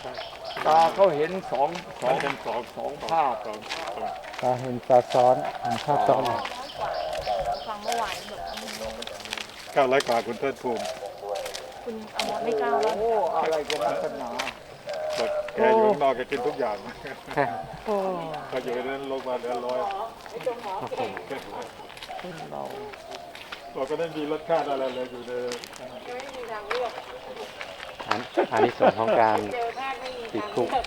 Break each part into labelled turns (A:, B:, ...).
A: ตาเขาเห็นสองภาพ
B: ตาเห็นตาซ้อนเห็นภาพซ้อน
C: ฟังเมื่อวานแบบ
D: 900 กว่าคุณเทิดภูมิ
C: คุณอมรไม่กล้าแล้ว
A: โอ้อะไรกันนักหนา
D: บอกแกอยู่ข้างนอกแกกินทุกอย่าง
A: โอ้
D: เขาอยู่ในนั้นลงมาเหลือ100
A: คนเรา
D: เราก็ไม่มีรสชาติอะไรเลยอยู่ใน
B: อันนี้ส่วนของการติดคุก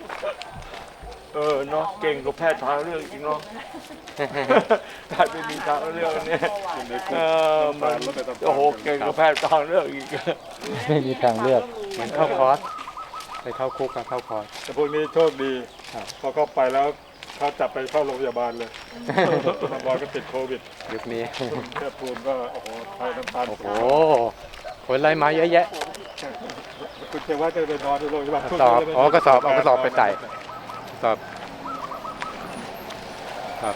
A: เนาะเก่งกับแพทย์ทางเลือกจริงเนาะถ้าไม่มีทางเลือกเนี่ยมันโอ้โหเก่งกับแพทย์ทางเลือกอีก
B: ไม่มีทางเลือกเหมือนเข้าคอร์สไปเข้าคุกกับเข้าคอร์ส
D: แต่พวกนี้โชคดีพอเข้าไปแล้วเขาจับไปเข้าโรงพยาบาลเลยน้ำบอยก็ติดโควิด
B: ยุคนี้
D: คุณเทิดภูมิก็โอ้โหไทยน้ำตาล
B: โอ้โหคนไล่มาเยอะแยะ
D: คุณเทว่าจะไปนอนที่โรงพยาบาล
B: สอบอ๋อกระสอบเอากระสอบไปใส่สอบครับ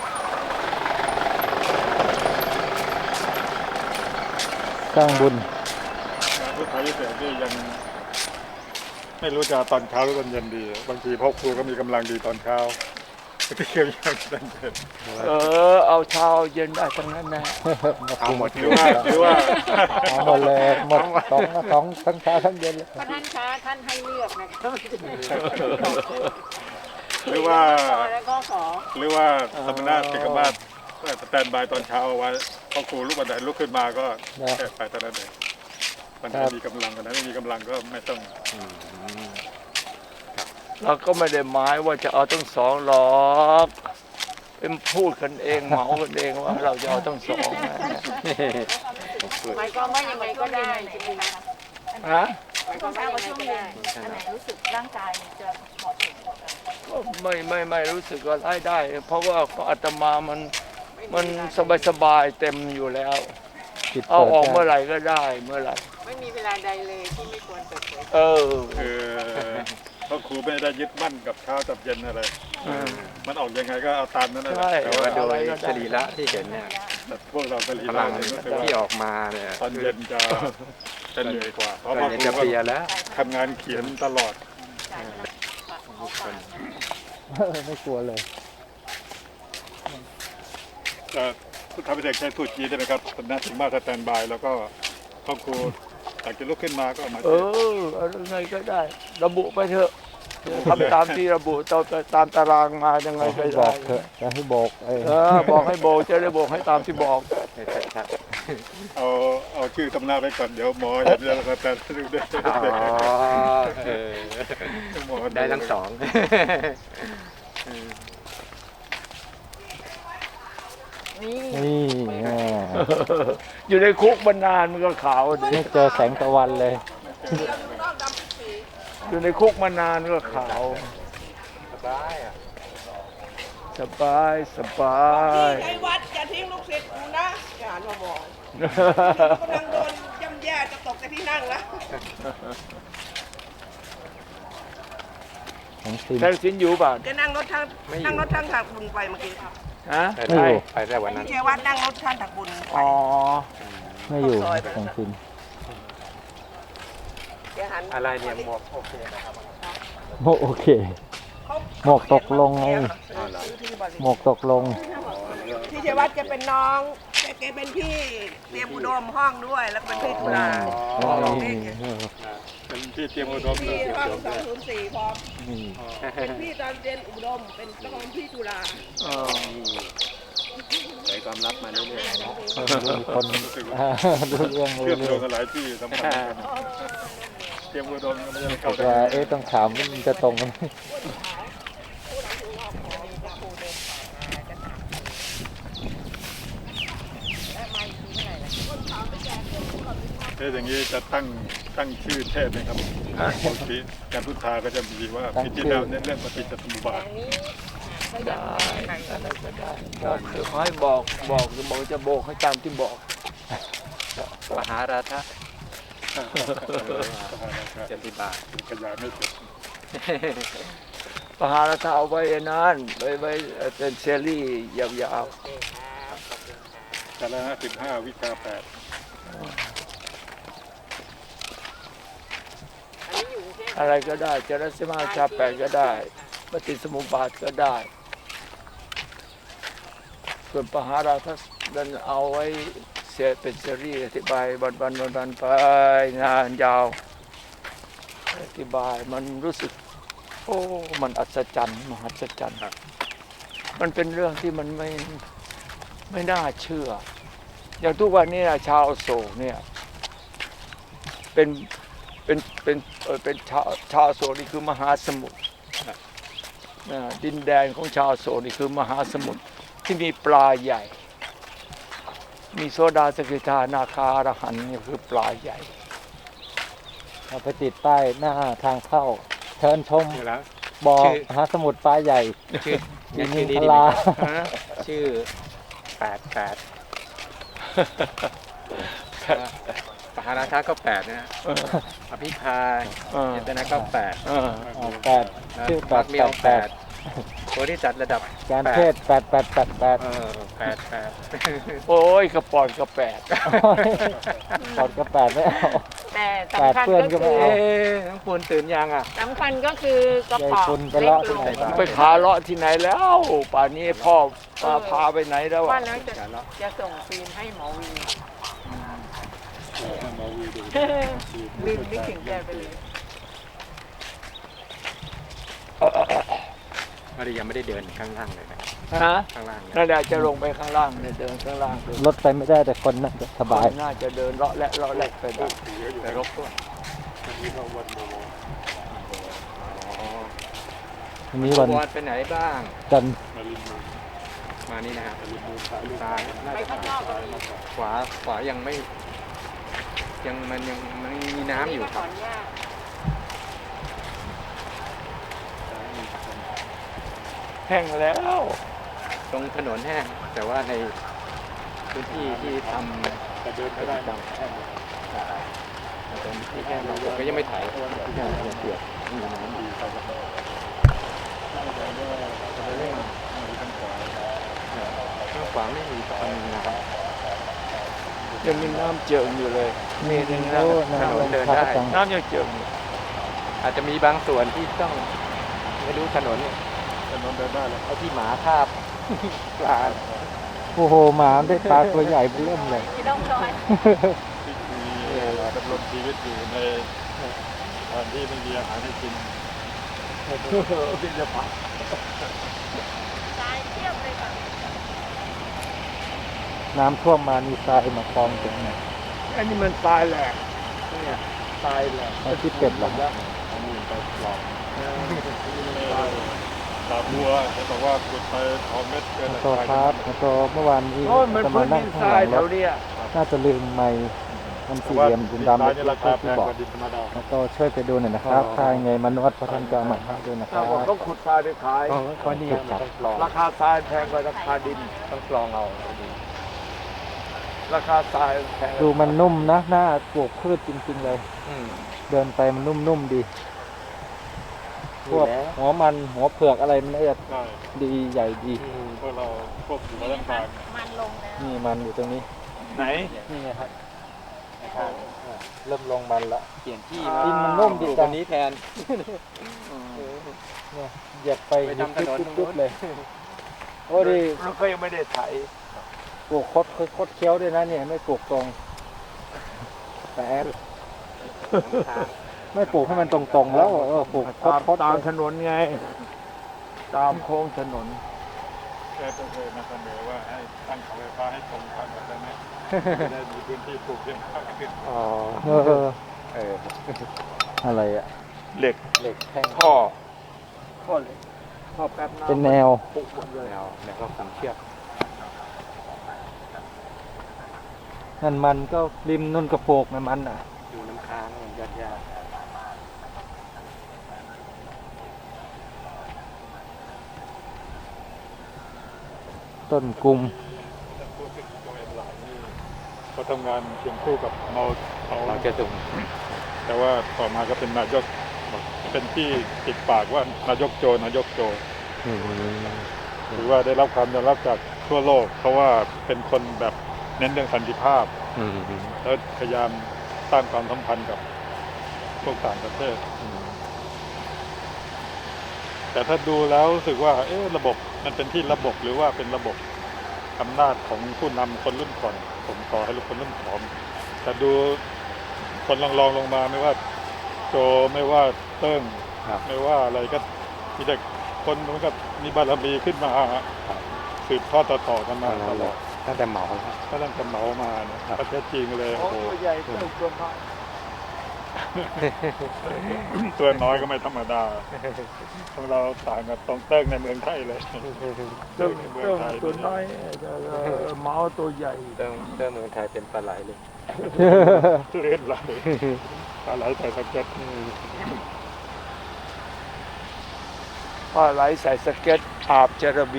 B: สร้างบุญ
D: พุทธาพิเศษนี่ยังไม่รู้จะตอนเช้าหรือตอนเย็นดี บางทีพ่อครูก็มีกำลังดีตอนเช้าที่เกี่ยวยังตอนเย็น
A: เอาเช้าเย็นได้ทั้งนั้นนะ
B: เอาหมด
D: หรือว่า
B: เอาหมดเลยหมดสองทั้งเช้าทั้งเย็นเลย
C: ท่านคะท่านให้เลือกนะคะ
D: หรือว่า
C: แล้วก็ขอ
D: หรือว่าสมณะติกมาศสแตนบายตอนเช้าเอาไว้พ่อครูลุกบันไดลุกขึ้นมาก็แค่ไปตอนนั้นเองวันไหนมีกำลังวันไหนไม่มีกำลังก็ไม่ต้อง
A: เราก็ไม่ได้หมายว่าจะเอาทั้งสองหรอกเป็นพูดกันเองเหมากันเองว่าเราจะเอาทั้งสองนะ
C: หมายความว่ายังไงก็ได้ใช่ไหมคะ
A: ฮะ
C: หมายความว่าช่วงเย็นอันไหนรู้สึกร่างกายจะเหมาะสมกว่ากัน
A: ก็ไม่รู้สึกว่าได้ เพราะว่าของอาตมามันสบายเต็มอยู่แล้ว
B: จิต
A: เอา
B: เปิด
A: ออกเมื่อ
B: ได้
A: ไหร่ก็ได้เมื่อไหร่
C: ไม่มีเวลาใดเลยที่ไม่ควรเปิดเผย
D: คือพ่อครูไม่ได้ยึดมั่นกับเช้ากับเย็นอะไร มันออกยังไงก็เอาตามนั้นนะ
A: ใช่
B: แต่ว่าโดยสรีระที่เห็นเนี่ย
D: แต่พวกเราผลิต
B: พลัง
D: ก็คือว่า
B: ที่ออกมาเนี่ย
D: ตอนเย็นจะเหนื่อยกว่า เพราะ
B: ต
D: พ่
B: อ
D: อน
B: เย็น
D: ครู
B: จะเพลียแล้ว
D: ทำงานเขียนตลอด
B: ไม่กลัวเลย
D: พุทธพิเศษใช้พูดจีนใช่ไหมครับสำนักถึงมาสแตนบายแล้วก็พ่อครูอยากจะลุกขึ้นมาก็มา
A: เอายังไงก็ได้ ระบุไปเถอะทำตามที่ระบุตามตารางมายังไงก็
B: บ
A: ได้
B: อกเถอะจะให้บอก
A: บอกให้โบกจะได้โบกให้ตามที่บอก
B: ชัด
D: เอาชื่อตำนาไปก่อนเดี๋ยวหมอเห็นแล้วก็จะดูได้
B: ๆอ๋อ
D: หมอ
B: ได้ทั้งสอง
C: นี่
B: นี่แม่
A: อยู่ในคุกมานานมันก็ขาวดิ
B: ไม่เจอแสงตะวันเลย
A: อยู่ในคุกมานานก็ขาว สบาย
E: ไอ้วัดอย่าทิ้งลูกศิษย์กูนะอย่ามาบอกกำลังโดนย่ำแย่จะตกจากที่นั่งแล้ว
B: ของซิน
A: แท็กสินอยู่ป่ะ
E: จะนั่งรถทางถักบุญไปเมื่อกี้
A: ฮะ
B: ไม่อยู่ไปได้วันนั้น
E: พี่เชวัดนั่งรถทางถักบุญไป
A: อ๋อ
B: ไม่อยู่ของซิน
E: เดี๋ยวหัน
B: อะไรเนี่ยหมวกโอเค
E: เขา
B: หมวกตกลงไงหมวกตกลง
E: พี่เชวัดจะเป็นน้องแกเป็นพี่เตรียมอุดมห้องด้วย แล้วก็เป็นพี่ตุลา
D: เป็นที่เตรียมอุดม
E: พี่ห้อง204พร้อมเป็นพี่ตอนเรียนอุดมเป็นต้องเป็นพี่ตุลา
B: ใส่ความลับมาเรื่อยๆมีคนรู้เรื่อง
D: เชื่อมโย
B: เรื่
D: งกันหลายที่สำคัญเตรียมอุดมก็ไม่ได้เข้า
B: ๆว่าต้องถามว่ามันจะตรงกัน
D: อย่างนี้จะตั้งชื่อเทศไหมครับบางทีการพุทธาก็จะมีว่าพิธีแล้วเน้นเรื่องปฏิจจสมุปบาท
A: ได้อะไรก็ได้ก็คือให้บอกจะโบกให้ตามที่บอก
B: มหาราชะเจติบาท
D: ขยายไม่เสร็จ
A: ปหาราชาเอาไว้นั้นไว้เป็นเซรีส์ยาว
D: คณะ15 วิชา 8
C: อันนี้อยู่กรุงเทพ
A: อะไรก็ได้จรสมาชาแปดก็ได้ปฏิสมุปบาทก็ได้ส่วนปหาราทัศนั้นเอาไว้เสียเป็นซีรีส์อธิบายวันไปงานยาวอธิบายมันรู้สึกโอ้มันอัศจรรย์มหัศจรรย์มันเป็นเรื่องที่มันไม่น่าเชื่ออย่างทุกวันนี้นะชาวอโศกเนี่ยเป็นชาวอโศกนี่คือมหาสมุทรดินแดนของชาวอโศกนี่คือมหาสมุทรที่มีปลาใหญ่มีโซดาสกิทานาคาอรหันต์นี่คือปลาใหญ่
B: เอาไปติดป้ายหน้าทางเข้า เชิญชม
F: อยู่แล้ว
B: บ่อ
F: ชื่อ
B: มหาสมุทรปลาใหญ่
F: ชื่อ
B: ดิน
F: ชื่อ
B: พ
F: ดีไหม
B: ลา
F: ชื่อ88ปหาราชาก็8นะฮะอภิพายเจตนาก็8
B: แปดชื่อแปด
F: มี
B: แป
F: เอา
B: ดแปด
F: 8โพธิจัดระดับ
B: การเทศ8888
F: 88
A: โอ้ยกระปอนกระแปด
B: ถอดกระแปดไม่เอา
C: แต่
B: แปด
C: สำคัญ
B: เพื่อนก็
C: ก็
B: ไม่
C: คือ
B: เอา
F: น้องปูนตื่นยังอ่ะ
C: สำคัญก็คือกระป๋อง
B: ยายคุณไป
C: เล็ก
B: เลาะ
C: ล
B: ที่
C: ง
B: ไหนมา
A: ไปขาเลาะที่ไหนแล้วป่านนี้พ่อมาพาไปไหนแล้ว
C: ว่า
A: อะ
C: แล้วจะส่งฟิล์มให้หมอวีลืมนึกถึงแกไปเลย
F: ไม่ได้ยังไม่ได้เดินข้างล่างเลยนะ
A: ฮะ
F: ข้างล่างเนี่ย
A: นั่นแหละจะลงไปข้างล่างเนี่ยเดินข้างล่างดู
B: รถไปไม่ได้แต่คนน่าจะสบาย
A: น่าจะเดินเลาะและไปได้แต่รบกวน
B: วันนี้วัน
F: วอดไปไหนบ้าง
B: จันทร์
F: มานี่นะครับซ้ายน่า
C: ไป
F: จะ
C: ข้างนอกก็มี
F: ขวายังไม่ยังมีน้ำอยู่ค
C: ข
F: รั
C: อบ อนุญาต
A: แห้งแล้ว
F: ตรงถนนแห้งแต่ว่าในพื้นที่ที่ทำแต่เดินไม่ได้ดังตรงที่แห้งเราก็ยังไม่ถ่ายที่แห้งยังเปียกมีน้ำดีข้างขวาไม่มีตอนนี้นะครับ
A: ยังมีน้ำเจิ่งอยู่เลยมีหนึ่งน้
B: โอ้
F: ถนนเดินได้
B: จัง
A: ำน้ำยังเจิ่งอยู่
F: อาจจะมีบางส่วนที่ต้องไม่รู้ถนนเนี่ย
D: ถนนเดินได้เลย
F: เอาที่หมาคาบ ปลา
B: โอ้โหหมาได้ปลาตัวใหญ่เริ่มเลย
C: มีร่องรอย
D: ที่มีดำรงชีวิตอยู่ในสถานที่ไม่มีอาหารให้กิน
A: เป็นจะผัก
C: ตายเทียบเลยค่ะ
B: น้ำท่วมมามีทรายมาคลองตรงไหน
A: อันนี้มันตายแหลกเนี่ยตายแหลก
B: ไอ้ที่เป็ดเหรอ
D: ตาบัวเขาบอกว่าขุดไปเอาเม็ดเกิน
B: โตครับโตเมื่อวานนี้
A: โอ้ยมัน
B: จะ
A: พื้
B: มาน นั่
A: ดิ
B: ง
A: น
B: ข้า
A: ท
B: งห
A: ราย
B: ลัง
A: แถ
B: รถ
A: วเนี้ย
B: น่าจะลืมไม้มันสี่เหลี่ยมดำๆ
D: ดิ
B: เล็
D: นราก คา
B: ๆ
D: แพ
B: ที่
D: ง
B: บอก
D: กว่าดินธรรมดา
B: โตช่วยไปดูหน่อยนะครับค่ายังไงมนุษย์พระท่านก็เอามาให้ด้วยนะค
A: ถ้า
B: รับ
A: ว่าเขาขุดทรายไปขาย
F: เพราะนี่มันต้องกรอง
A: ราคาทรายแพงกว่าราคาดิน
F: ต้องกรองเอา
A: ราคาทรายแพง
B: ดูมันนุ่มนะหน้าปลูกพืชจริงๆเลย
F: อืม
B: เดินไปมันนุ่มๆดี พวกหัวมันหัวเผือกอะไรมันเนี่ย
D: ใช่
B: ดีใหญ่ดี
D: พวกเราควบคุมร่างกาย
C: มันลงแล้ว
B: นี่มันอยู่ตรงนี้
A: ไหน
B: นี่ไงครับเริ่มลงมันละ
F: เปลี่ยนที่
B: ดินมันนุ่มดี
F: ปลูก
B: จั
F: อั
B: ง
F: นนี้แทน
B: เนี่ยเหยียบไป
F: ไปทำถนนตรงนู้
B: จุ๊บ
F: น
B: ๆเลย โอ้ดิ
A: มันก็ยังไม่ได้ไถ
B: ปลูกคดเคี้ยวด้วยนะเนี่ยไม่ปลูกตรงแต่แอดไม่ปลูกให้มันตรงๆแล้วปลูกคด
A: ตาม
B: ๆ
A: ถนนไง ตามโค้งถนน
D: แกก็เคยมาเสนอว่าให้ตั้งเสาไฟฟ้าให้ตรงทางแบบนั้นจะได้มีพื้นที่ปลูกเพียงข้างขึ้น
F: อ๋อ
B: อะไรอะ
A: เหล็ก
B: เหล็กแท่ง
A: ท่อเหล็กท่อแป๊บน้ำ
B: เป็นแนว
A: ปลูกหมดเลย
F: แล้วก็สังเชือก
B: นั่นมันก็ริมนุ่นกระโปกมันอ่ะ
F: อยู่น้ำค้างยอดยาก
B: ต้นกุม
D: พูดถึงตัวเองหลายนี่เขาทำงานเคียงคู่กับเมาเขา
F: เราจะส่ง
D: แต่ว่าต่อมาก็เป็นนายกเป็นที่ติดปากว่านายกโจหรือว่าได้รับความยอมรับจากทั่วโลก เพราะว่าเป็นคนแบบเน้นเรื่องสันติภาพ แล้วพยายามสร้างความสัมพันธ์กับพวกต่างประเทศแต่ถ้าดูแล้วรู้สึกว่าระบบมันเป็นที่ระบบหรือว่าเป็นระบบอำนาจของผู้นำคนรุ่นก่อนผมต่อให้คนรุ่นก่อนแต่ดูคนรองลงมาไม่ว่าโจไม่ว่าเติ้งไม่ว่าอะไรก็มีแต่คนมันก็มีบารมีขึ้นมาสืบทอดต่อกันมาตลอด
F: ตั้งแต่เหมาแล้ว
D: ก็ตั้งแต่เหมามาเนี่ยประเทศจริงเลย
A: โอ้
D: โอ้โห
A: ตัวใหญ่ตัวน้อย
D: ตัวน้อยก็ไม่ธรรมดาของเราต่างกับตรงเติ้งในเมืองไทยเลย
A: เติ้งตัวน้อยเมาตัวใหญ่
F: เติมเมืองไทยเป็นปลาไหลเลย
D: เล่นไหลปลาไหลใส่สเก็ต
A: ปลาไหลใส่สเก็ตอาบจระบี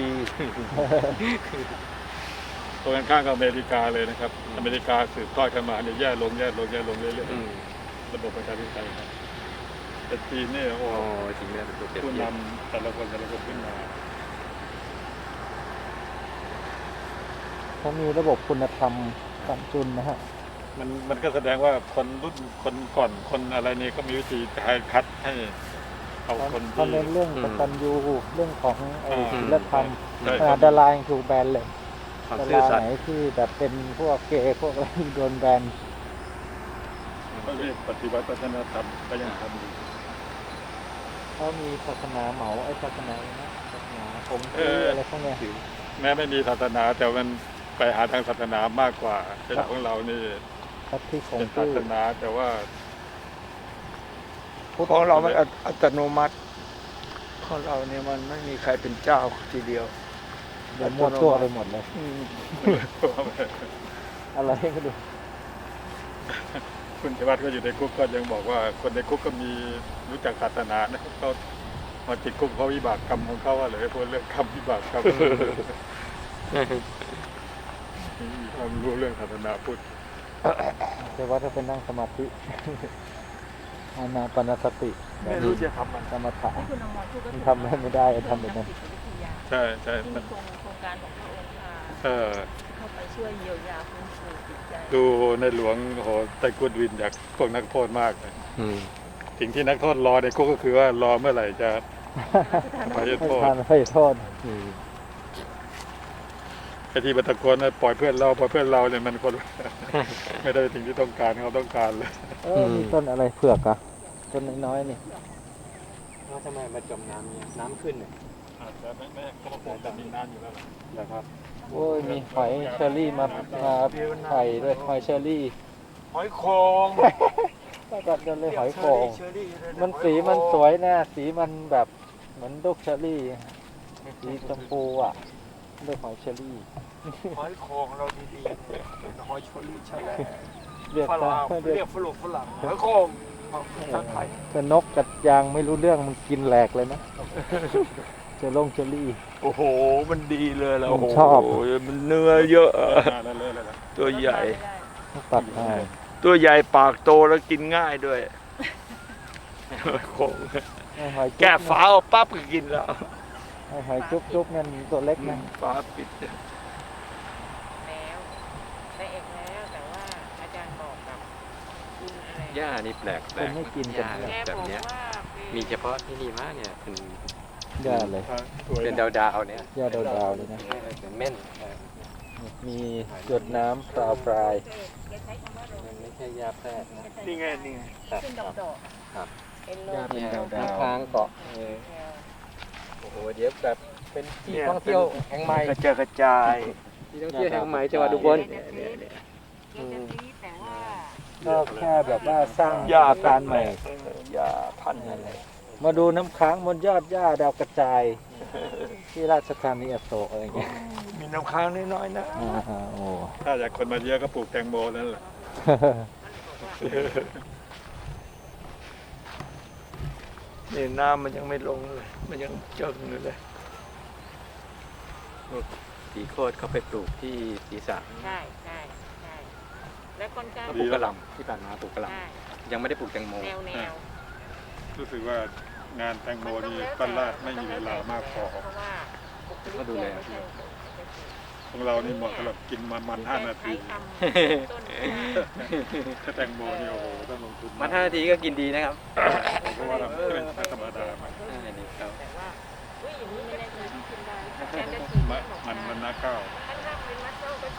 D: ตรงกันข้ามกับอเมริกาเลยนะครับอเมริกาสืบทอดกันมาเนี่ยแย่ลงเรื่อยๆระบบประชาธิปไตยครับแต่จีนเนี่ยโอ้
F: โอ้จริงเลยเป็นตัวเปรียบ
D: ผู้
F: เทียบ
D: นำแต่ละคนขึ้นมา
B: เขามีระบบคุณธรรมสามจุนนะฮะ
D: มันก็แสดงว่าคนรุ่นคนก่อนคนอะไรนี่ก็มีวิธีการคัดให้เอาคน
B: เขา
D: ที่
B: เน้นเรื่องกตัญญูเรื่องของศีลธรรม
D: ใช่
B: ขนาดดารายังถูกแบนเลย
F: ความ
B: ดา
F: ซื่อ
B: รา
F: สัต
B: ไหน
F: ย์
B: ที่แบบเป็นพวกเกย์พวกอะไรโดนแบน
D: เขาเรียกปฏิวัติวัฒนธรรมก็ยังทำอยู่
B: เขามีศาสนาเหมาศาสนาอะไรนะศาสนาผมที่อะไรพวกเนี้ย
D: แม้ไม่มีศาสนาแต่มันไปหาทางศาสนามากกว่าเป็นของเรานี่
B: ทัศที่ของ
D: เป็นศา
B: ชื่อ
D: สนาแต่ว่า
A: ของเรามันอัตโนมัติของเราเนี่ยมันไม่มีใครเป็นเจ้าทีเดียว
B: เดี๋ยวมั่วตัวไปหมดเลย
A: อืม
B: อะไรก็ดู
D: คุณชวัฒน์ก็อยู่ในคุกก็ยังบอกว่าคนในคุกก็มีรู้จักศาสนานะเขามาติดคุกเพราะวิบากกรรมของเขาอะไรพวกเรื่องกรรมวิบากกรรมมีความรู้เรื่องศาสนาพุทธ
B: แต่ว่าถ้าเป็นนั่งสมาธิอานาปานสติ
A: ไม่รู้จะทำมัน
B: สมถะ
C: ที่คุณอมรพูดก็
B: มันทำไม่ได้ทำแบบนั้น
D: ใช่ใช่
C: ที่
D: มั
C: มี
D: น
C: โครงการของพระองค์ค่ะ เข้าไปช่วยเยียวยาฟื้นฟูจิตใจ
D: ดูในหลวงโอ้โหไต้กุดวินจากพวกนักโทษมากเลย
F: อืม
D: สิ่งที่นักโทษรอในคุกก็คือว่ารอเมื่อไหร่จะไป
B: ให้
D: โทษ
B: ทานให้โทษ
F: อืม
D: ไอ้ที่บัตะโกนว่าปล่อยเพื่อนเราเนี่ยมันคน ไม่ได้เป็นสิ่งที่ต้องการเขาต้องการเลย
B: มีต้นอะไรเผือกอะต้นน้อยๆนี่
F: แล้วทำไมมาจมน้ำเนี่ยน้ำขึ้นเนี่ย
D: อาจจะไม่เขาคงจะมีน้ำอยู่แล้วนะครับ
B: โอ้ยมีหอยเชอรี่มาไข่ด้วยหอยเชอรี่
A: หอยโคง
B: ก็จัดกันเลยหอยโข่งมันสีมันสวยนะสีมันแบบเหมือนลูกเชอรี่สีชมพูอ่ะเรียกหอยเชอรี่
A: หอยโคงเราดีๆเป็นหอยเชอรี่ใช่ไหม
B: เรียก
A: ฝรั่ง
B: เรียก
A: เรียกฝรั่งหอยโคงทางไทย
B: แต่นกกัดยางไม่รู้เรื่องมันกินแหลกเลยนะเจอเชอรี่
A: โอ้โหมันดีเลยแล้ว
B: ผม
A: โอ้โห
B: ชอบ
A: มันเนื้อเยอะ
D: นั่นเลยเลยนะ
A: ตัวใหญ่
B: ตัดให้
A: ตัวใหญ่ปากโตแล้วกินง่ายด้วยหอยโคง
B: ให้หอยจุ๊บ
A: แก้ฝาเอาปั๊บก็กินแล้ว
B: ให้หอยจุ๊บๆนั่นตัวเล็กนะ
A: ฝาปิด
C: แล้วได้เอกแล้วแต่ว่าอาจารย์บอกกับคุณอะไร
F: หญ้านี่แปลก
B: คนไม่กิน
F: ห
B: กัน
F: ญ้า
B: เนี่ย
C: แก
F: แบบ
C: บอก
F: เนี้ย
C: ว่า
F: มีเฉพาะที่นี่มากเนี่ยเป็น
B: ยาเลย
D: สวย
F: เป็น
D: นะ
F: ดาวๆเนี่ย
B: ยาดาวๆเลยนะ
F: เป็นเม่น
B: มีหยดน้ำปลาปลาย
C: แกใช้คำว่าโร
F: มันไม่ใช่หญ้าแพรกนะ
A: นี่ไงนี่ไง
C: ขึ้นดอกๆ
F: ครับ
C: เป็นโร
B: หญ้า
C: ค
B: เป็น
C: เดียว
B: ดาวๆ
F: ค้างเกาะโอ้โหเดี๋ยวแบบเป็นที่ท่องเที่ยวแห่งใหม่
A: กระจาย
F: ที่ท่องเที่ยวแห่งใหม่จังหวัดอุบล
C: แกจะซีแต่ว่า
B: ก็แค่แบบว่าสร้าง
A: หญ้า
B: การใหม่
A: หญ้าพันธุ์อะไร
B: มาดูน้ำค้างบนยอดหญ้าดาวกระจาย ที่ราชธานีอโศกอะไรอย่างเงี้ย
A: มีน้ำค้างน้อยๆนะ
B: โอ้
D: ถ้าอยากคนมาเยอะก็ปลูกแตงโมนั่นแหละ
A: นี่น้ำมันยังไม่ลงเลย มันยังเจิ่งอยู่เลย
F: สีโคตรเขาไปปลูกที่ศีรษะ
C: ใช่ใช่ใช่แล้วก้นกล้า
F: ปลูกกระหล่ำที่ผ่านมาปลูกกระหล่
C: ใช่
F: ำยังไม่ได้ปลูกแตงโม
C: แนวแนว
D: รู้สึกว่างานแตงโมนี่ปั้นลาดไม่มีเวลามากพอ
C: เพราะว่า
F: ก็ดูแล
D: ของเรานี่เหมาะสำหรับกินมัน5 นาที
C: ใช้คำต้น
D: ถ้าแตงโมนี่โอ้โหต้องลงทุน
F: มัน5 นาทีก็กินดีนะครับ
D: เพราะว่าเราไม่ธรรมดา
F: อันนี้ครับ
C: แต่ว่า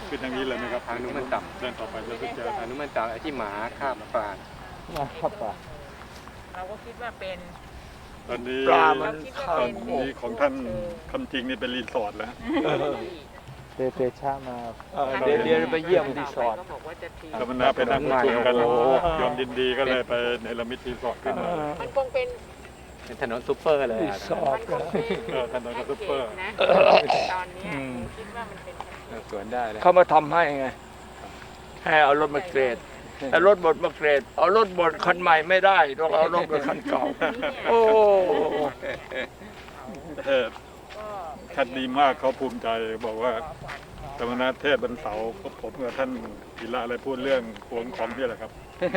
D: ขึ้นทางนี้เลยไหมครับ
F: ทางนู้นมันต่ำ
D: เดินต่อไปแล้วจะเจอ
F: ทางนู้นมันต่ำไอ้ที่หมาคาบปลา
B: นะครับป่ะ
G: เราก็คิดว่าเป็น
D: ตอนนี้
A: ปลามัน
D: ต
A: เข้า
D: อนนี้ของท่านคำจริงนี่เป็นรีสอร์ทแล้ว
B: เตชะมา
A: เดี๋ยวไปเยี่ยมรีสอร์ท
G: ก็บอกว่าจะทิ้ง
D: กำนันไปนั่งประชุมกันยอมยินดีก็เลยไปในละมิตรีสอร์ทขึ้นมา
G: มันคงเป็น
F: เป็นถนนซุปเปอร์เลย
A: รี
F: อะ
A: สอร์ท
D: ถนนกับซุปเปอร์
G: นะตอนเนี้ยคิดว่ามันเป็น
F: สวนได้เลย
A: เขามาทำให้ไง ให้เอารถมาเกรดแต่รถบดมาเกรด เอารถบดคันใหม่ไม่ได้ต้องเอารถกับคันเก่า โอ้
D: เทศท่านดีมากเขาภูมิใจบอกว่าธรรมนัสเทศบรรเสาร์ผมกับท่านกีฬาอะไรพูดเรื่องหวงของนี่แหละครับ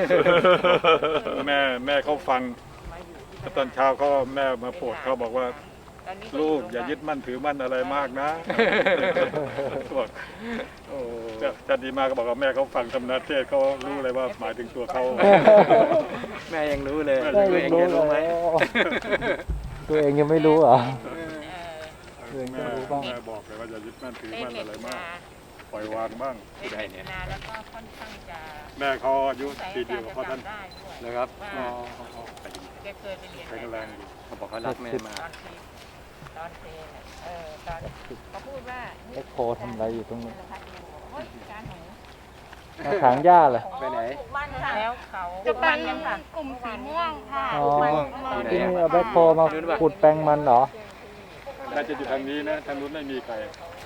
D: แม่เขาฟังตอนเช้าเขาแม่มาโปรดเขาบอกว่า
G: ตอนนี้
D: ลูกอย่ายึดมั่นถือมั่นอะไรมากนะบอกจะดีมากก็บอกว่าแม่เขาฟังธรรมนัสเทศเขารู้เลยว่าหมายถึงตัวเขา
F: แม่ยังรู้เลย
B: ได้ยังรู้
F: รู้ไหม
B: ตัวเองยังไม่รู้เหรอ
D: แม่บอกเลยว่าอย่ายึดมั่นถือ
G: เล่น
D: มั่น
G: เน็
D: อะไร
G: ต
D: มาก
G: นา
D: ปล่อยวางบ้าง
G: เล่นเน็ตนาแล้วก็ค่อนข้างจะ
D: แม่เขาอายุ
G: ใส่
D: ปีเดียวกับพ่อท่าน
G: ได้ด้วย
F: นะครับ
G: ว่าแกเคยไปเรียน
D: แข็งแรงอยู่
F: เขาบอกเขารักแม่มาก
G: ตอนเทตอนเขาพูดว่า
B: เอ็กโคทำอะไรอยู่ตรงนี้
G: เฮ้ยการหนู
B: มาถางหญ้าเลย
F: ไปไหน
G: มันค่ะแล้วเขา
C: จะเป็นกลุ่มสีม่วงค่ะ
B: อ๋อ
F: ที่ไหน
B: ที่นี่
F: อะ
B: เอาแบ็คโคมาขุดแปลงมันเหรอ
D: น่าจะอยู่ทางนี้นะทางนู้นไม่มีใคร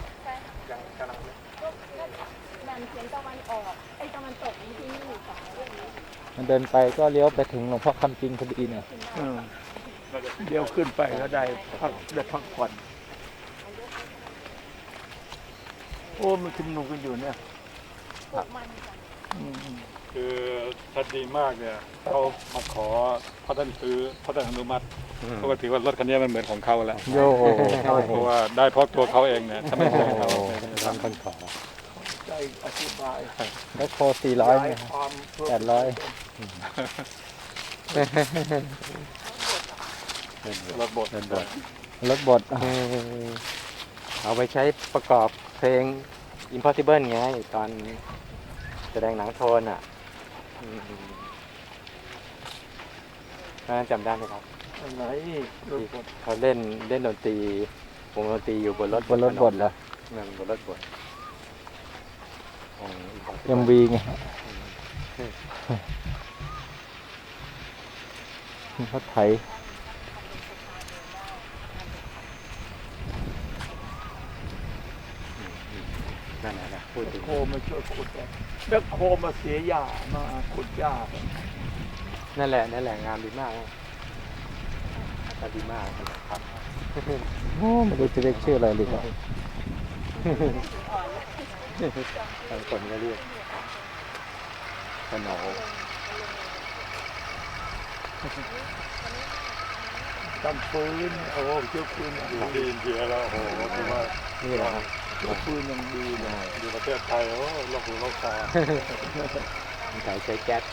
C: แบ่งเฉียงตะวันออกไอ้ตะวันตกที่นี่สอง
B: มันเดินไปก็เลี้ยวไปถึงหลวงพ่อคำจริงพอดีเนี่ย
A: เดี๋ยวขึ้นไปก็ได้พักผ่อน โอ้มันชุมนุมกันอยู่เนี่ย
D: คือชัดดีมากเนี่ยเขามาขอพ่อท่านซื้อพ่อท่านอนุมัติเขาก็ถือว่ารถคันนี้มันเหมือนของเขาแล้ว
B: โย
D: เพราะว่าได้เพราะตัวเขาเองเนี่ยถ้าไม่ใช่เขา
B: ทำคนขอ
A: ใจอธิบาย
B: แบ็คโค400เนี่ย
A: ความ
B: 800
D: รถบด
B: รถบด
F: เอาไปใช้ประกอบเพลง Impossible ไงตอนแสดงหนังโทนอ่ะจำได้ไหมครับ
A: ไหนรถบด
F: เขาเล่นดนตรีวงดนตรีอยู่บนรถ
B: บนรถบดเหรอ
F: นั่นบนรถบดของ
B: MV ไงเขาไถ
F: นั่นแหละพูดถึง
A: โคมาช่วยขุดแบ็คโคมาเสียหญ้ามาขุดหญ้า
F: นั่นแหละงานดีมากดีมากครับ
B: โอ้ไม่รู้จะเรียกชื่ออะไรเลยครับ
F: บางคนก็เรียกขนม
A: ทำปืนโอ้เจ้าปืนอย่าง
D: อยู่
A: ดี
D: ที่อินเดียแล้วโอ้โหคือว่า
F: นี่แหละครับ
A: เจ้าปืนอย่างดีเลย
D: อยู่ประเทศไทยโอ้โลกหูโลกตา
F: ใช้แก๊ส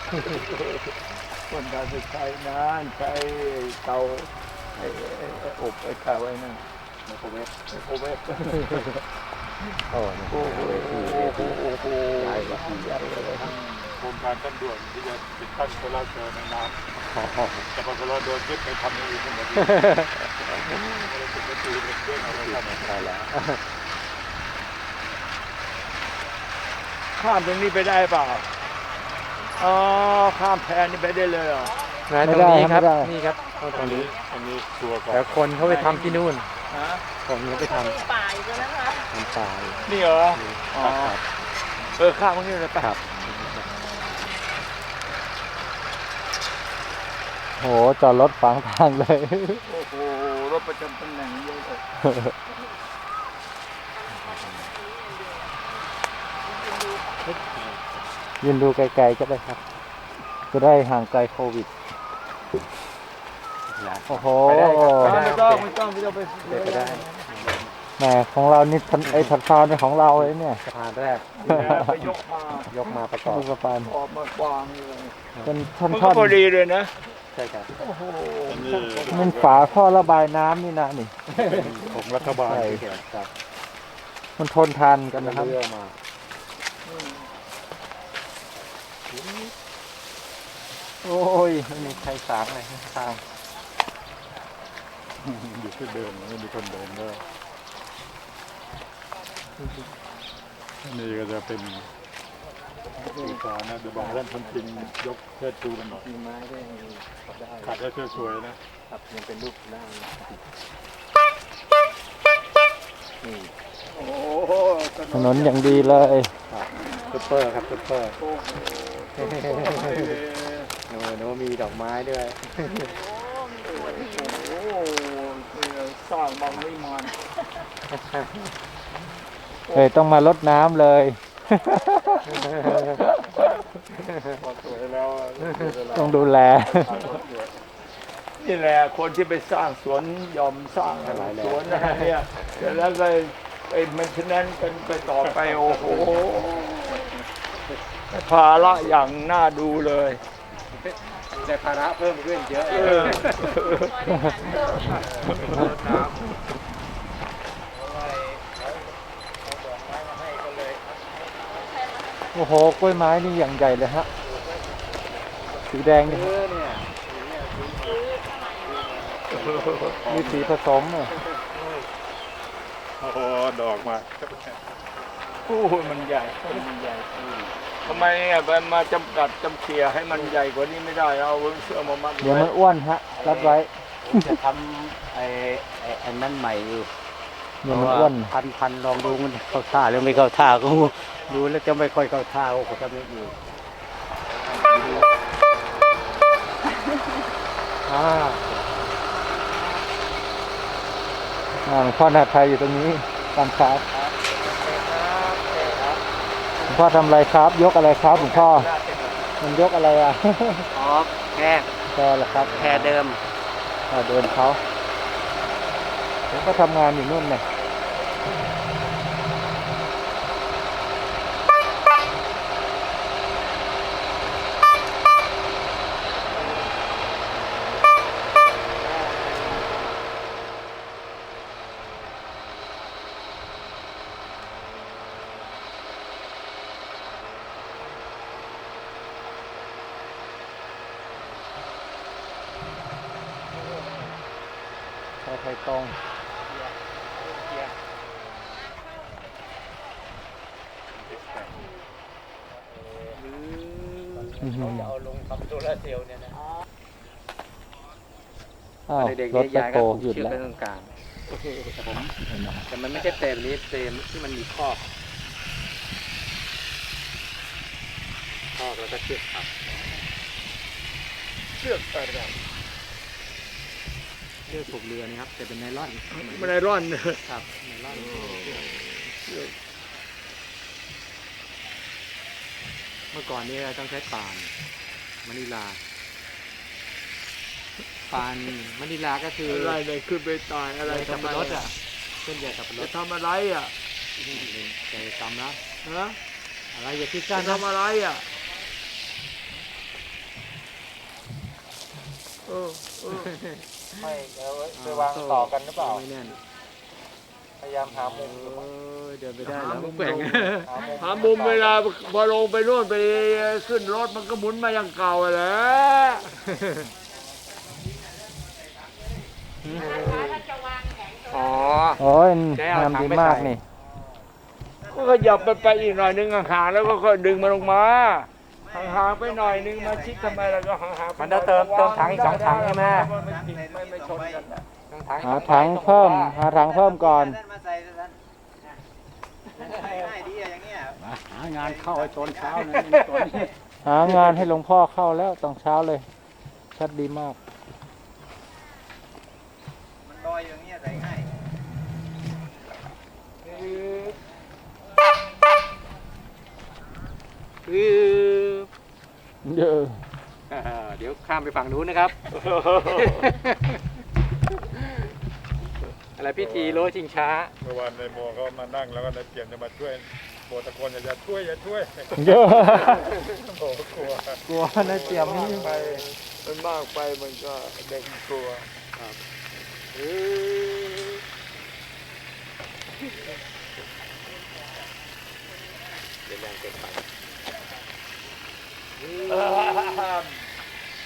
A: คนการใช้นานใช้เตาไอ้อบไอ้ข้าวไว้นั่น
D: ไมโครเวฟ
A: ไอ้โคเวฟ
F: โอ้
A: โอ้โหโอ้โห
F: ย้ายกว่า
A: ใหญ่เลย
D: โครงการขั้นด่วนที่จะติดตั้งโซลาร์เซลล์ในน้ำแต่พอโซลาร์โดนยึดไปทำอย่างอื่นทั้งหมดเลยไม่ได้ติดกระตือรือร้นอะไรทำ
F: ใช่แล้ว
A: ข้ามตรงนี้ไปได้เปล่าอ๋อข้ามแพนี่ไปได้เลยเหรอ
F: นะตรงนี้ครับนี่ครับตรงนี้
D: อันนี้ตัวก่อน
F: แต่คนเขาไปทำที่นู่น
A: ฮะ
F: คนเขาไปท
C: ป่ายกันนะคะ
F: ำตาย
A: นี่เหรออ๋อข้ามตรงนี้เลยไป
F: ครับ
B: โหจอดรถฝังทางเลย
A: โอ้โหรถประจำตำแหน่งเยอะเลย
B: ยืนดูไกลๆก็ได้ครับ จะได้ห่างไกลโควิด โอ้โห
A: ไม่ต้องไป
F: ได้
B: แหมของเรานี่ไอ้ถัดพานเป็นของเราเลยเนี่ย
F: สะพานแรก
A: ไปยกมา
F: ประกอบ
B: ลูกสะพาน
A: ออกมากวางเลย
B: เป็นท่
A: มันก็
B: อน
A: พอดีเลยนะ
F: ใช่ครับ
A: โอ้โห
D: อันนี้
B: ๆมันฝาท่อระบายน้ำนี่นะนี่
D: ของรัฐบาล
B: ใช่
F: ครับ
B: มันทนทานกันนะครับ
F: เรือมา
B: โอ้ยไม่มีใครสางเลยทาง
D: อยู่ที่เดิมไม่มีคนเดินด้วยนี่ก็จะเป็นสื่อสารนะเดี๋ยวบางท่านคนจริงยกเชิดชูกันหน่อย
B: มีไม้ด้วยได้
D: ขัดให้สวยๆนะครับ
B: ยังเป็นรูปได้ถนนอย่างดีเลยซุปเปอร์ครับซุปเปอร์โน้มีดอกไม้ด้วย
A: โอ้สร้างบางวิมาน
B: ต้องมารดน้ำเลย
D: พอสวยแล้ว
B: ต้องดูแล
A: นี่แหละคนที่ไปสร้างสวนยอมสร้างสวนอะไรเนี่ยแล้วก็ไปมันฉะนั้นกันไปต่อไปโอ้โหภาระอย่างน่าดูเลย
F: แต่ภาระเพิ่มขึ้นเยอะ
B: โอ้โหกล้วยไม้นี่อย่างใหญ่เลยฮะสีแดงนี่มีสีผสมอ่ะ
D: โอ้โหดอกมา
A: โอ้โหมันใหญ่ทำไมมาจำกัดจำเขี่ยให้มันใหญ่กว่านี้ไม่ได้เอาเสื้อมามัด
B: เดี๋ยวมันอ้วนฮะรัดไว้
F: จะทำอันนั้นใหม่อยู่
B: เดี๋ยวมันอ้วน
F: พันลองดูมันเข้าท่าหรือไม่เข้าท่าก็ดูแล้วจะไม่ค่อยเข้าท่าก็จะไม่อยู่
B: หลวงพ่อนาไทยอยู่ตรงนี้ตามครับหลวงพ่อทำอะไรครับ ยกอะไรครับหลวงพ่อมันยกอะไรอ่ะ
F: อ๋อแค่
B: แพรเหรอครับ
F: แค่เดิม
B: เดินเขาผมก็ทำงานอยู่นู่นเนี่ยไทยตรง
F: จะเอาลงทำโซลาร์เซลล์เนี่ยนะ
B: อ้าว
F: เด็ก
B: รถ
F: ๆ
B: แบ
F: ยาย
B: คโฮ
F: ก็ผูก
B: หยุด
F: เชือก
B: แล้ว
F: ไว้ตรงกลางแต่มันไม่ใช่เต็มนี้เต็มที่มันมีคอกแล้วก็เชือกครับ
A: เชือกอะไร
F: เชือกผูกเรือนะครับแต่เป็นไนลอน
A: มันไอรอน
F: ครับไนลอนเมื่อก่อนนี้เราต้องใช้ป่านมะนิลาป่านมะนิลาก็คือ
A: อะไรเลยขึ้นไปตายอะไร
F: สับ
A: ทำไม
F: ปะรดอ่ะเส้นใหญ่สับปะร
A: จะ
F: ด
A: ทำอะไรอ่ะ
F: ใจจำนะ
A: ฮะ
F: อะไรอย่าคิด
A: จะ
F: สั้นนะ
A: ทำอะไรอ่ะเออ
B: ไม่ไปวางต่อกันหรือเปล่า
F: ไม่แน่น
B: พยายามหามุม
F: เดินไปได้แล้วมุกแป่ง
A: หามุมเวลาพอลงไปโน่นไปขึ้นรถมันก็หมุนมาอย่างเก่าแหละ อ๋อ
B: โอ้ยงามดีมากนี่
A: ก็ขยับไปอีกหน่อยนึงห่างๆแล้วก็ค่อยดึงมันลงมาห่างๆไปหน่อยนึงมาชิดทำไมแล้วก็ห่างๆ
F: มันจะเติมถังอีก2 ถังใช่ไหม
A: ไม่ชนกันนะ
B: หาถังเพิ่ม หาถังเพิ่มก่อน
F: หางานเข้าไอ้ตอนเช้านะ
B: หางานให้หลวงพ่อเข้าแล้วตอนเช้าเลย ชัดดีมาก
F: มันลอยอย่างเงี้ยใส่ง่าย
B: เยอะ
F: เดี๋ยวข้ามไปฝั่งนู้นนะครับ อะไรพิธีโลชิงช้า
D: เมื่อวานในโมก็มานั่งแล้วก็ในเปลี่ยนจะมาช่วยโบตะโกนอย่าช่วย
B: เยอะ
D: โอ้กลัว
B: กลัวนะเจียมนี่
A: ไปมันมากไปมันก็เด็กกลัว
F: เดี๋ยวแรงเกินไป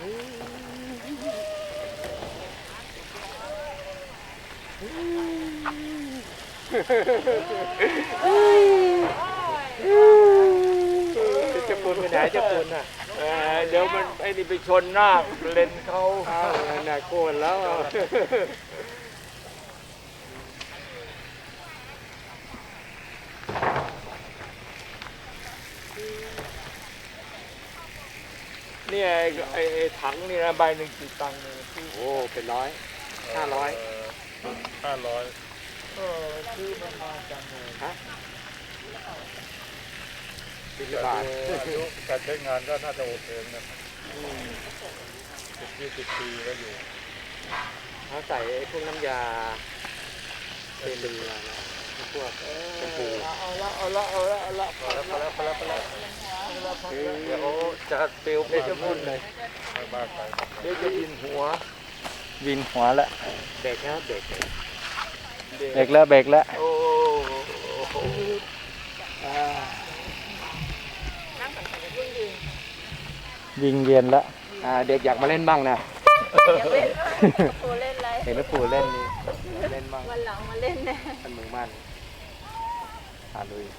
F: จะปูนไปไหนจะปูนอ่ะ
A: เดี๋ยวมันไอ้นี่ไปชนหน้าเลนเขา
F: น่าโกนแล้ว
A: เนี่ยไอ้ถังนี่นะใบหนึ่งกี่ตังค์เนี่ย
F: โอ้เป็นร้อย500
D: 500
A: ซื้อมันมาจังเลย
F: 10 บาท
D: อายุการใช้งานก็น่าจะโอเคนะ10-20 ปีก็อยู่
F: เขาใส่ไอ้พวกน้ำยาเป็นเรือนะพวกชมพู
A: เอาละพอแล้วเดี๋ยวจะเปลวไปจะพูดเลย
D: ไม่มากไป
A: เดี๋ยวจะยินหัว
B: วินหัวแล้ว
F: เบรกนะเบรก
B: เบรกแล้วเบรกแล้ว
A: โอ้โห
C: นั่งสังเกตยืนยืน
B: วิงเวียนแล้ว
F: เด็กอยากมาเล่นบ้างนะ
C: อย่าเล่นตัวเล่นอะไร
F: เห็นแล้วปู่เล่นนี่เล่นบ้าง
C: วันหลังมาเล่นนะ
F: ท่านมือมั่นลุย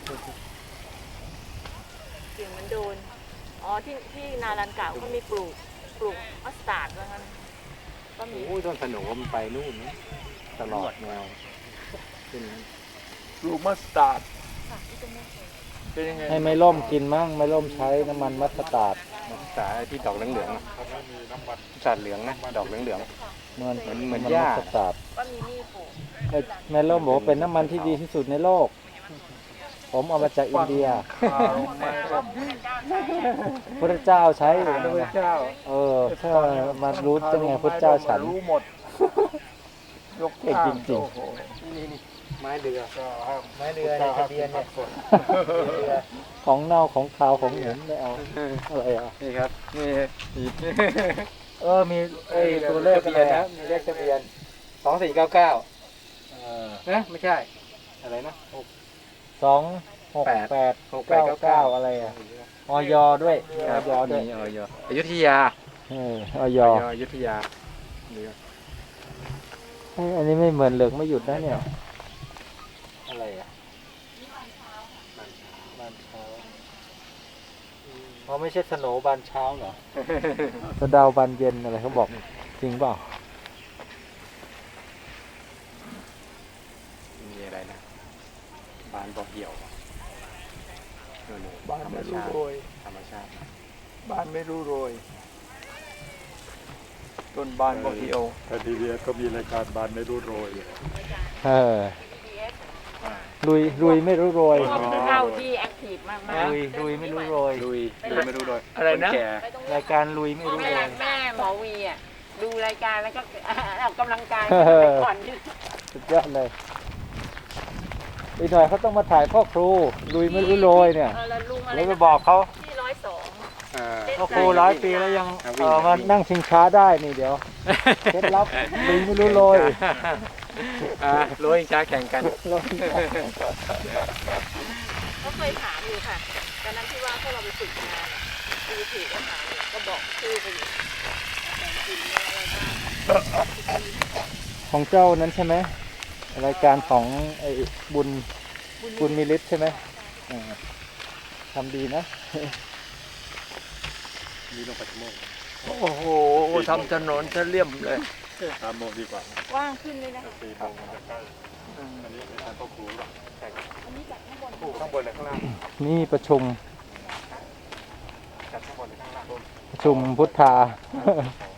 C: เสียงมันโดนอ๋อที่นาลันเก่าเขามีปลูกมัสตาร์ดว่างั้นก็มี
F: โอ้ยต้นสนุมันไปนู่นนะตลอดแนวขึ้น
A: ลูกมัสตาร์ดเป็นยังไง
B: ให้ไม่ล่มกินมั่งไม่ล่มใช้น้ำมันมัสตาร์ด
F: สาที่ดอกเหลืองๆนะ
D: เขาไม่มีน้ำมัน
F: สาดเหลืองนะดอกเหลือง
B: เหมือน
F: เหมือน
B: มั
F: หญ้า
B: มัสตาร์ด
C: ก็มีนี่ปลูก
B: ไอ้แม่ล่มบอกว่าเป็นน้ำมันที่ดีที่สุดในโลก ผมเอามาจากอินเดีย
A: ข่าวไม่รับ
B: พระเจ้าใช้
A: พระเจ้า
B: ถ้ามารู้จังไงพระเจ้าฉัน
A: รู้หมด ยก
B: เก่งจริงๆ
A: โอ้โห
F: ๆนี่ไม้เรือ
D: ก็ห้าม
F: ไม้เรือในทะเบียนเนี่ยเรือ
B: ของเน่าของขาวของเหม็นไม่เอาอะไรอ่ะ
F: นี่ครับนี่
B: มีไอ้ตัวเลข
F: ทะ
B: อะ
F: เบี
B: ไร
F: ยนนะ
B: นะ
F: มีเลขทะเบียน2499นะไม่ใช่อะไรนะ
B: 268 99อะไรอ่ะออยด้วยออยด้วย
F: นี่อยุธยา
B: ออย
F: อยุธยาเรือ
B: อันนี้ไม่เหมือนเหลืองไม่หยุดนะเนี่ย
F: อะไรอ่ะ
B: บานเช้าเขาไม่ใช่สโหนบานเช้าเหรอ สะเดาบานเย็นอะไรเขาบอกจริงเปล่า
F: มีอะไรนะบานบอกเหี่ยวนู่นๆ
A: บ้านไม่รู้โรย
F: ธรรมชาติ
A: บ้านไม่รู้โรย ต้นบานบอกเดียว
D: แต่ทีเดียก็มีรายการบานไม่รู้โรยอยู่
B: ลุยไม่รู้โรย
G: พวกเข้าที่แอคทีฟมาก
B: ลุยไม่รู้โรย
F: ลุยไม่รู้โดย
A: อะไรนะ
F: คแก่
C: ไปตรง
B: รายการลุยไม่รู้
G: แม่
B: โรย
G: แม่หมอวีอ่ะดูรายการแล้วก็ออกกำลังกาย
B: เออ
G: ก่อนที่
B: สุดยอดเลยอีกหน่อยเขาต้องมาถ่ายพ่อครู ลุยไม่รู้โรยเนี่ย
C: แล้วลุงอะไร
B: แล้วไป
C: นะ
B: บอกเขา
C: ที่102
B: พ่อครู100 ปีแล้วยังมานั่งชิงช้าได้นี่เดี๋ยว เคล็ดลับลุยไม่รู้โรย
F: โรยช้าแข่งกัน
C: ก็เคยถามอยู่ค่ะตอนนั้นที่ว่าพวกเราไปฝึกงานดูถืออาหารเนี่ยก็บอกชื่อไปอยู่แต่กินเนี่ยอะไรบ้าง
B: ของเจ้านั้นใช่ไหมรายการของไอ้บุญมีฤทธิ์ใช่ไหมทำดีนะ
D: มีลงไปชั่วโมง
A: โอ้โหทำถนนจะเลี่ยมเลย
D: 3 โมงดีกว่า
C: ว่างขึ้นเลยนะ
D: 4 โมงมันจะใกล้อันนี้เป็นการพ่อครูหรอ
C: อันนี้จากข้างบน
F: ปลูกข้างบนหรือข้างล่าง
B: นี่ประชุม
F: จัดข้างบนหรือข้างล่าง
B: ประชุมพุทธา